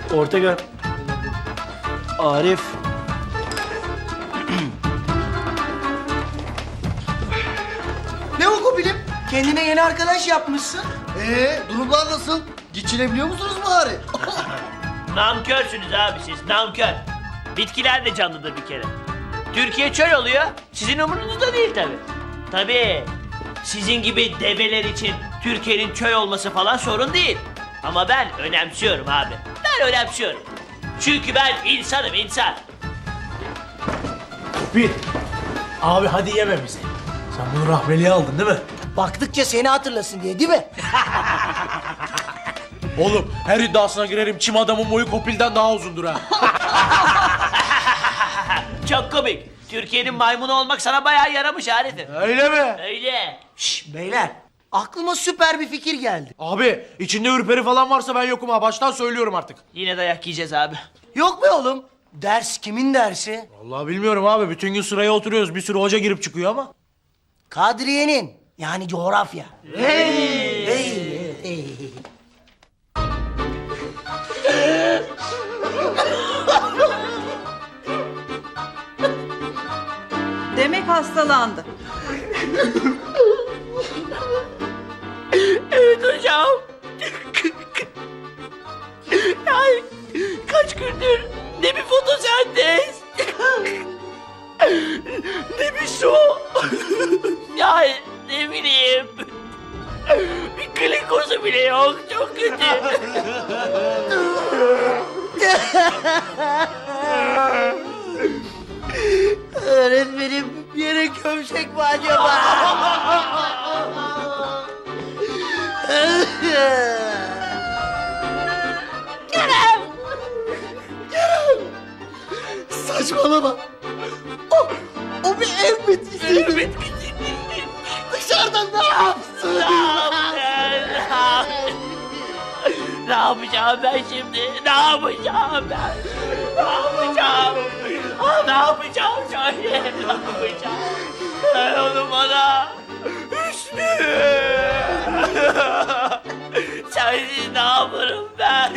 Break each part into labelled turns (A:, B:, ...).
A: Ortega. Arif.
B: Ne o Kubil'im? Kendine yeni arkadaş yapmışsın.
C: Durumlar nasıl? Geçinebiliyor musunuz bari?
D: Namkörsünüz abi siz, namkör. Bitkiler de canlıdır bir kere. Türkiye çöl oluyor, sizin umurunuzda değil tabii. Tabii, sizin gibi develer için Türkiye'nin çöl olması falan sorun değil. Ama ben önemsiyorum abi. Ben önemsiyorum. Çünkü ben insanım, insan.
A: Bir. Abi hadi yeme bizi. Sen bunu rahmeliye aldın değil mi?
B: Baktıkça seni hatırlasın diye değil mi?
A: Oğlum her iddiasına girerim, çim adamın boyu Kopil'den daha uzundur ha.
D: Çok komik. Türkiye'nin maymunu olmak sana bayağı yaramış Arif'im.
A: Öyle mi?
D: Öyle.
B: Şş beyler, aklıma süper bir fikir geldi.
A: Abi içinde ürperi falan varsa ben yokum ha. Baştan söylüyorum artık.
D: Yine dayak yiyeceğiz abi.
B: Yok be oğlum, ders kimin dersi?
A: Vallahi bilmiyorum abi. Bütün gün sıraya oturuyoruz. Bir sürü hoca girip çıkıyor ama.
B: Kadriye'nin, yani coğrafya. Hey.
E: Demek hastalandı.
D: Evet hocam. Yani kaç gündür ne bir fotosentez, ne bir su, yani ne bileyim, bir glikozu bile yok, çok kötü.
B: Öğretmenim, yere gömsek mi acaba?
C: Saçmalama. O bir ev bitkisi. Dışarıdan ne yapsın?
D: Ne yapacağım ben şimdi? Ne yapacağım ben? Ne yapacağım? Ne yapacağım söyle? Ne yapacağım? Sen onu bana. Hüsnü! Sensiz ne yaparım ben?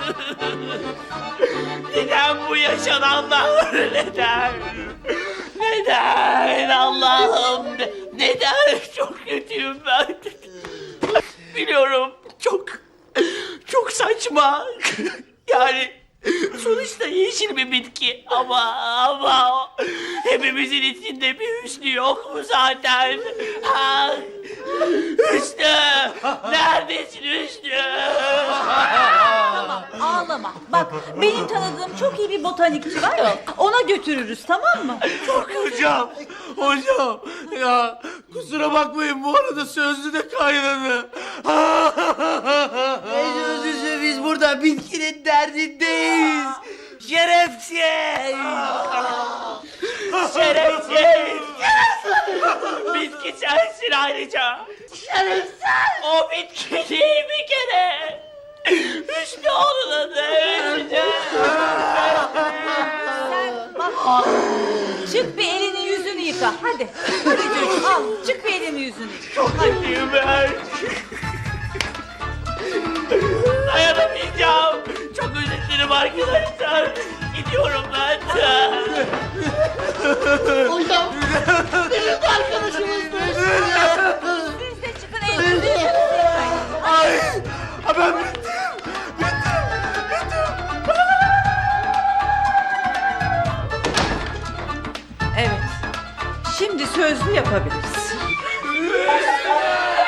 D: Neden bu yaşananlar? Neden? Neden Allah'ım? Neden? Çok kötüyüm ben. Biliyorum çok saçma. Yani sonuçta yeşil bir bitki ama hepimizin içinde bir Hüsnü yok mu zaten? Ha? Hüsnü! Neredesin Hüsnü?
E: Tamam ağlama. Bak benim tanıdığım çok iyi bir botanikçi var ya. Ona götürürüz tamam mı?
A: Hocam ya kusura bakmayın bu arada sözlü de kaynadı.
B: Ne sözlüsü, biz burada bitkinin derdindeyiz. Şerefsiz!
D: Şerefsiz! Bitki sensin ayrıca. Şerefsiz! O bitki değil bir kere. Hüsnü onun adı Hüsnü.
E: Sen bak çık bir elini yüzünü yıka hadi. Hadi çocuğum al çık bir elini yüzünü yıka.
D: Çok kötüyüm ben. Dayanamayacağım. Çok özür dilerim arkadaşlar. Gidiyorum ben.
C: Hocam. Benim de arkadaşımızdı.
E: Siz de çıkın elinizi yüzünüzü yıkayın.
A: Ay ben bittim.
E: Evet. Şimdi sözlü yapabiliriz.